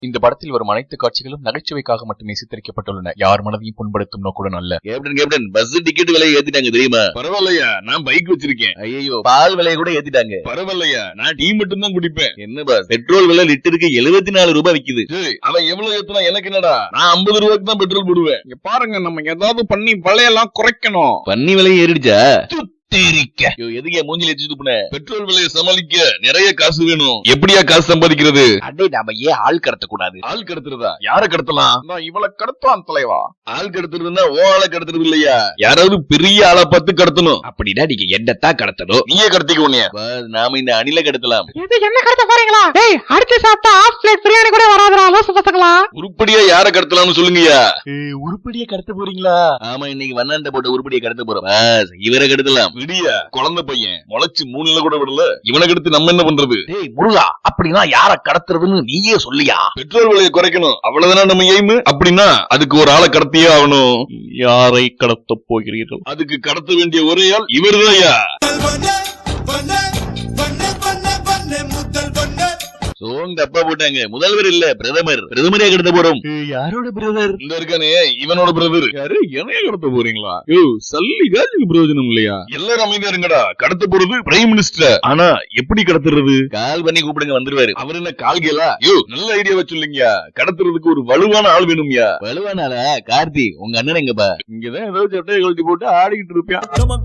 இந்த படத்தில் வரும் அனைத்து காட்சிகளும் நகைச்சுவைக்காக மட்டுமே சித்தரிக்கப்பட்டுள்ளன. யார் மனதையும் புண்படுத்தும் நோக்குடன் அல்ல. கேப்டன் பஸ் டிக்கெட் விலையை ஏத்திட்டாங்க தெரியுமா? பரவாயில்லையா, நான் பைக் வச்சிருக்கேன். ஐயோ, பால் விலையை கூட ஏத்திட்டாங்க. பரவாயில்லையா, நான் டீ மட்டும் தான் குடிப்பேன். என்ன பாஸ், பெட்ரோல் விலை லிட்டருக்கு 74 ரூபாய் விக்குது. அவன் எவ்வளவு ஏத்துனா எனக்கு என்னடா, நான் 50 ரூபாய்க்கு தான் பெட்ரோல் போடுவேன். இங்க பாருங்க, நம்ம ஏதாவது பண்ணி விலையெல்லாம் குறைக்கணும். பண்ணி விலை ஏறிடுச்சா? எதுக்கே மூஞ்சில துப்புன? பெட்ரோல் விலையை சமாளிக்க நிறைய காசு வேணும். எப்படியா காசு சம்பாதிக்கிறது? அடே, நாம ஏன் ஆள் கடத்த கூடாது? ஆள் கடத்துறதா? யார கடத்தலாம்? இவளை கடத்தலாம் தலைவா. ஆள் கடத்துறதுன்னா ஓ ஆளை கடத்துறது இல்லையா, யாராவது பெரிய ஆளை பார்த்து கடத்தணும். அப்படின்னா நீங்க என்னத்தான் கடத்தணும்? நீயே கடத்திக்க உன்னைய. நாம இந்த அணில கடத்தலாம். என்ன கடத்த போறீங்களா? டேய், அடுத்து சாப்பிட்டா ஆஃப் பிளேட் பிரியாணி கூட வராதுடா லோசு பசங்களா. உருப்படியா யார கடத்தலாம்னு சொல்லுங்கயா. உருப்படியா கடத்த போறீங்களா? ஆமா, இன்னைக்கு வண்ணாண்ட போட்டு உருப்படியா கடத்த போறோம். இவரை கடத்தலாம். விடியா, குழந்தை பையன் முளைச்சு 3 கூட விடல, இவனை கடத்து நம்ம என்ன பண்றது? டேய் முருகா, அப்படின்னா யார கடத்துறதுன்னு நீயே சொல்லியா? பெட்ரோல் விலையை குறைக்கணும், அவ்வளவுதானா நம்ம எய்ம். அப்படின்னா அதுக்கு ஒரு ஆளை கடத்தியே ஆகணும். யாரை கடத்த போகிறீர்கள்? அதுக்கு கடத்த வேண்டிய ஒரே ஆள் இவருதான்யா. தப்பா போட்டாங்க. முதல்வர் இல்ல, பிரதமர். பிரதமரே கடத்த போறோம். யாரோட பிரதர்? இந்த இருக்கானே, இவனோட பிரதர். யாரு? என்னைய கடத்த போறீங்களா? சல்லி காசுக்கு பிரயோஜனம் இல்லையா? எல்லாரும் அமைதியா இருங்கடா. கடத்த போறது பிரைம் மினிஸ்டர். ஆனா எப்படி கடத்துறது? கால் பண்ணி கூப்பிடுங்க, வந்துருவாரு. அவர் என்ன கால்கேலா? நல்ல ஐடியா வச்சுள்ளீங்க. கடத்துறதுக்கு ஒரு வலுவான ஆள் வேணும்யா. வலுவான ஆளா? கார்த்தி, உங்க அண்ணன் எங்கப்பா? இங்கதான் ஏதோ சட்டையை கழட்டி போட்டு ஆடிக்கிட்டு இருப்பியா.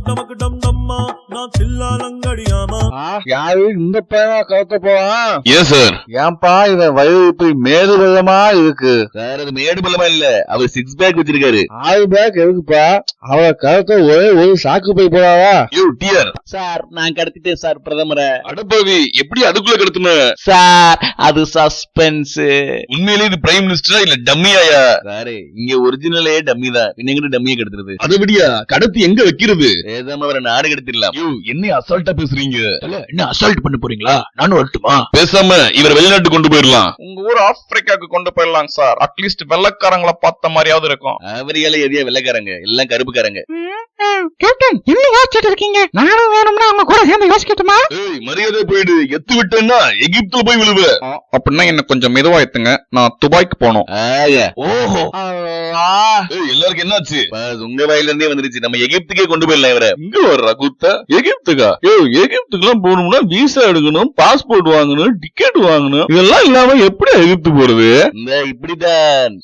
யாரு இந்த பையனா கடத்த போவான்? ஏன் சார்? ஏன்பா இவன் வயது இப்படி மேடு பள்ளமா இருக்கு? சார், அது மேடு பள்ளமா இல்ல, அவர் 6 பேக் வச்சிருக்காரு. 6 பேக் எதுக்குப்பா? அவளை கடத்த ஒரே ஒரு சாக்கு போய் போடாவா? சார், நான் கடத்திட்டேன் சார் பிரதமரை. அடப்பாவி, எப்படி அதுக்குள்ள கடத்துன? சார், அது சஸ்பென்ஸ். உண்மையிலே இது பிரைம் மினிஸ்டரா இல்ல டம்மியாயா? சாரு, இங்க ஒரிஜினலே டம்மி தான். பின்ன டம்மியை கடத்துறது. அதை விடியா, கடத்தி எங்க வைக்கிறது? பேசாம அவரை நாடு கடத்திடலாம். என்ன அசால்ட்டா பேசுறீங்க? என்ன அசால்ட் பண்ண போறீங்களா? நானும் வரட்டுமா? பேசாம இவர் வெளிநாட்டு கொண்டு போயிடலாம். உங்க ஊர் ஆப்பிரிக்காவுக்கு கொண்டு போயிடலாம் சார். அட்லீஸ்ட் வெள்ளக்காரங்களை பார்த்த மாதிரியாவது இருக்கும். அவரியால எதையா வெள்ளக்காரங்க, எல்லாம் கருப்புக்காரங்க. கேப்டன், என்ன யோசிச்சுட்டு இருக்கீங்க? நானும் வேணும்னா அவங்க கூட சேர்ந்து யோசிக்கட்டுமா? மரியாதை போயிடு. எத்து விட்டேன்னா எகிப்துல போய் விழுவ. அப்படின்னா என்ன கொஞ்சம் மெதுவா எத்துங்க, நான் துபாய்க்கு போனோம். ஓஹோ, எல்லாருக்கும் என்னாச்சு? உங்க வாயில இருந்தே வந்துருச்சு. நம்ம எகிப்துக்கே கொண்டு போயிடலாம் இவரை. இங்க வர்ற குத்த எகிப்துக்கா? எகிப்துக்கு எல்லாம் போகணும்னா விசா எடுக்கணும், பாஸ்போர்ட் வாங்கணும், டிக்கெட் வாங்கணும். இதெல்லாம் இல்லாம எப்படி எகிப்து போறது? இந்த இப்படிதான்.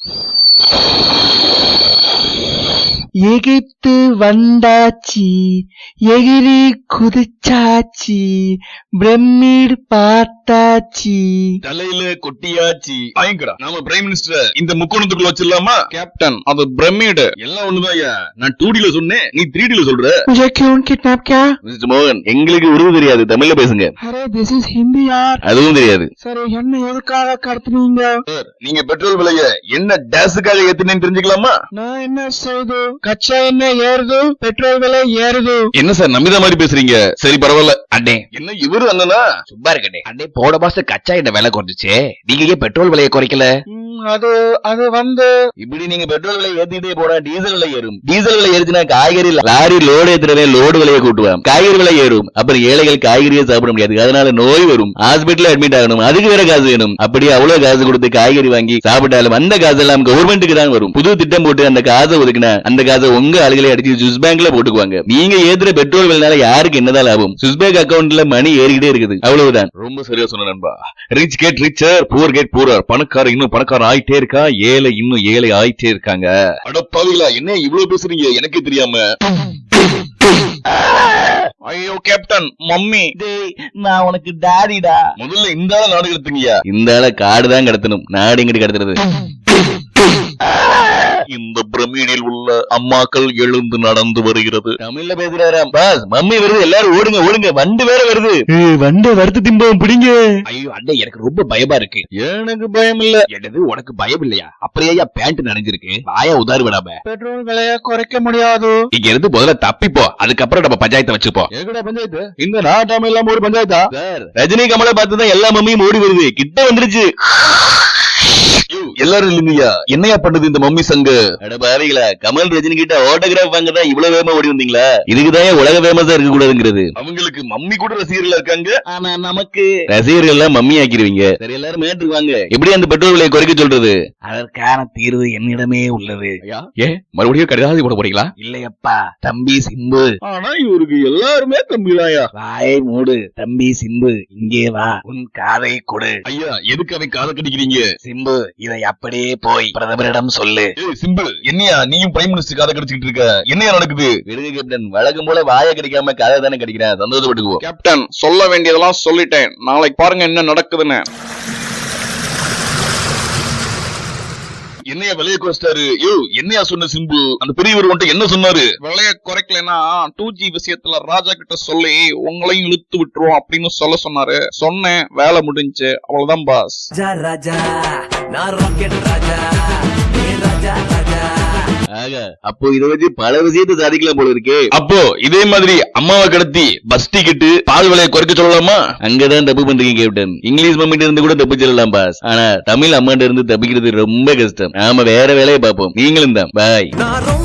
எகிப்து வந்தாச்சி, எகிரி குதிச்சாச்சி, பிரமிட் பார்த்தாச்சி, தலையில கொட்டியாச்சி. வாங்கிக்கடா. நாம பிரைம் மினிஸ்டர் இந்த முக்கோணத்துக்குள்ள வச்சிடலாமா? கேப்டன், அது பிரமிடு. எல்லாம் ஒண்ணுதான்யா. நான் 2Dல சொன்னேன், நீ 3Dல சொல்ற. मुझे क्यों किडनैप किया? மிஸ்டர் மோகன், எங்களுக்கு உருது தெரியாது, தமிழ்ல பேசுங்க. अरे दिस इज हिंदी यार. அதுவும் தெரியாது. சரி, என்ன எதுக்காக கடத்துனீங்க? நீங்க பெட்ரோல் விலைய என்ன டேஸுக்காக ஏத்துனேன்னு தெரிஞ்சுக்கலாமா? நான் என்ன செய்து? கச்சா என்ன ஏறுது, பெட்ரோல் விலை ஏறுது. என்ன சார் நம்பித மாதிரி பேசுறீங்க? சரி பரவாயில்ல. அண்ணே, என்ன இவரு அண்ணனா? சும்மா இருக்கண்ணே. அண்ணே, போன மாசம் கச்சா என்ன விலை குறைஞ்சிச்சு, நீங்க ஏன் பெட்ரோல் விலையை குறைக்கல? அது வந்து இப்படி நீங்க பெட்ரோல் விலை ஏத்திட்டே போனா டீசல் விலை ஏறும். டீசல் விலை ஏறுச்சுன்னா காய்கறி லாரி லோடு ஏத்துறவன் லோடு விலையை கூட்டுவான், காய்கறி விலை ஏறும். அப்புறம் ஏழைகள் காய்கறியை சாப்பிட முடியாது, அதனால நோய் வரும், ஹாஸ்பிட்டல் அட்மிட் ஆகணும், அதுக்கு வேற காசு வேணும். அப்படி அவ்வளவு காசு கொடுத்து காய்கறி வாங்கி சாப்பிட்டாலும் அந்த காசு எல்லாம் கவர்மெண்ட்டுக்கு தான் வரும். புது திட்டம் போட்டு அந்த காசை ஒதுக்கினா அந்த காசை உங்க ஆளுகளை அடிச்சு சுவிஸ் பேங்க்ல போட்டுக்குவாங்க. நீங்க ஏத்துற பெட்ரோல் விலைனால யாருக்கு என்னதான் லாபம்? சுவிஸ் பேங்க் அக்கௌண்ட்ல மணி ஏறிக்கிட்டே இருக்குது, அவ்வளவுதான். ரொம்ப சரியா சொன்ன நண்பா. Rich get richer, poor get poor. பணக்கார இன்னும் பணக்காரன் ஆயிட்டே இருக்கா, ஏழை இன்னும் ஏழை ஆயிட்டே இருக்காங்க. அடப்பாவிகளா, என்ன இவ்வளவு பேசுறீங்க எனக்கே தெரியாம? ஐயோ கேப்டன், மம்மி. நான் உனக்கு டாடிடா. முதல்ல இந்த ஆள நாடு கடத்துங்கயா. இந்த ஆள காடுதான் கடத்தணும், நாடு எங்கிட்டு கடத்துறது? இந்த பிரமிடில் உள்ள அம்மாக்கள் எழுந்து நடந்து வருகிறது. தமிழ்ல பேசுறாராம். பாஸ், மம்மி வருது, எல்லாரும் ஓடுங்க ஓடுங்க, வண்டு வேற வருது. வண்டு வறுத்து திம்பம் பிடிங்க. ஐயோ அண்ணே, எனக்கு ரொம்ப பயமா இருக்கு. எனக்கு பயம் இல்ல. என்னது, உனக்கு பயம் இல்லையா? அப்படியே பேண்ட் நனைஞ்சிருக்கு, வாயா உதாறு விடாம. பெட்ரோல் விலையை குறைக்க முடியாது. இங்க இருந்து முதல்ல தப்பிப்போ, அதுக்கப்புறம் நம்ம பஞ்சாயத்தை வச்சுப்போம். எங்கடா பஞ்சாயத்து? இந்த நாட்டாம இல்லாம ஒரு பஞ்சாயத்தா? சார், ரஜினி கமலை பார்த்துதான் எல்லா மம்மியும் ஓடி வருது, கிட்ட வந்துருச்சு. எல்லாரும் இல்லைங்கய்யா, என்னையா பண்ணுது இந்த மம்மி சங்கு? அட பாவிகளா, கமல் ரஜினி கிட்ட ஆட்டோகிராஃப் வாங்க தான் இவ்வளவு வேகமா ஓடி வந்தீங்களா? இதுக்குதான் உலக ஃபேமஸா இருக்க கூடாதுங்கிறது. அவங்களுக்கு மம்மி கூட ரசிகர்களா இருக்காங்க, ஆனா நமக்கு ரசிகர்கள் எல்லாம் மம்மி ஆக்கிடுவீங்க. சரி, எல்லாரும் மேட்டுக்கு வாங்க. எப்படி அந்த பெட்ரோல் விலையை குறைக்க சொல்றது? அதற்கான தீர்வு என்னிடமே உள்ளது. மறுபடியும் கடிதாசி போட போறீங்களா? இல்லையப்பா, தம்பி சிம்பு. ஆனா இவருக்கு எல்லாருமே தம்பிதாயா. வாயை மூடு தம்பி சிம்பு, இங்கே வா, உன் காதை கொடு. ஐயா, எதுக்கு அவன் காதை கடிக்கிறீங்க? சிம்பு, இதை அப்படியே போய் பிரதமரிடம் சொல்லு. ஏய் சிம்பு, என்னையா நீயும் பிரைம் மினிஸ்டர் காதை கடிச்சிட்டு இருக்க? என்னையா நடக்குது? விடுங்க கேப்டன், வழக்கம் போல வாயை கிடைக்காம கதை தானே கிடைக்கிறேன், சந்தோஷப்பட்டுக்குவோம். கேப்டன், சொல்ல வேண்டியதெல்லாம் சொல்லிட்டேன், நாளைக்கு பாருங்க என்ன நடக்குதுன்னு. என்னையா விலையை குறைச்சிட்டாரு? யோ, என்னையா சொன்ன சிம்பு? அந்த பெரியவர் வந்துட்டு என்ன சொன்னாரு? விலைய குறைக்கலனா 2G விஷயத்துல ராஜா கிட்ட சொல்லி உங்களையும் இழுத்து விட்டுருவோம் அப்படின்னு சொல்ல சொன்னாரு. சொன்னேன், வேலை முடிஞ்சு, அவ்வளவுதான் பாஸ். ஆக, அப்போ இதை வச்சு பல விஷயத்தை சாதிக்கலாம் போல இருக்கே. அப்போ இதே மாதிரி அம்மாவை கடத்தி பஸ் டிக்கெட் பால் விலையை குறைக்க சொல்லலாமா? அங்கதான் தப்பு பண்றீங்க கேப்டன். இங்கிலீஷ் மம்மிட்ட இருந்து கூட தப்பிச்சிடலாம் பாஸ், ஆனா தமிழ் அம்மாட்ட இருந்து தப்பிக்கிறது ரொம்ப கஷ்டம். நாம வேற வேலையை பார்ப்போம். நீங்களும் தான். பாய்.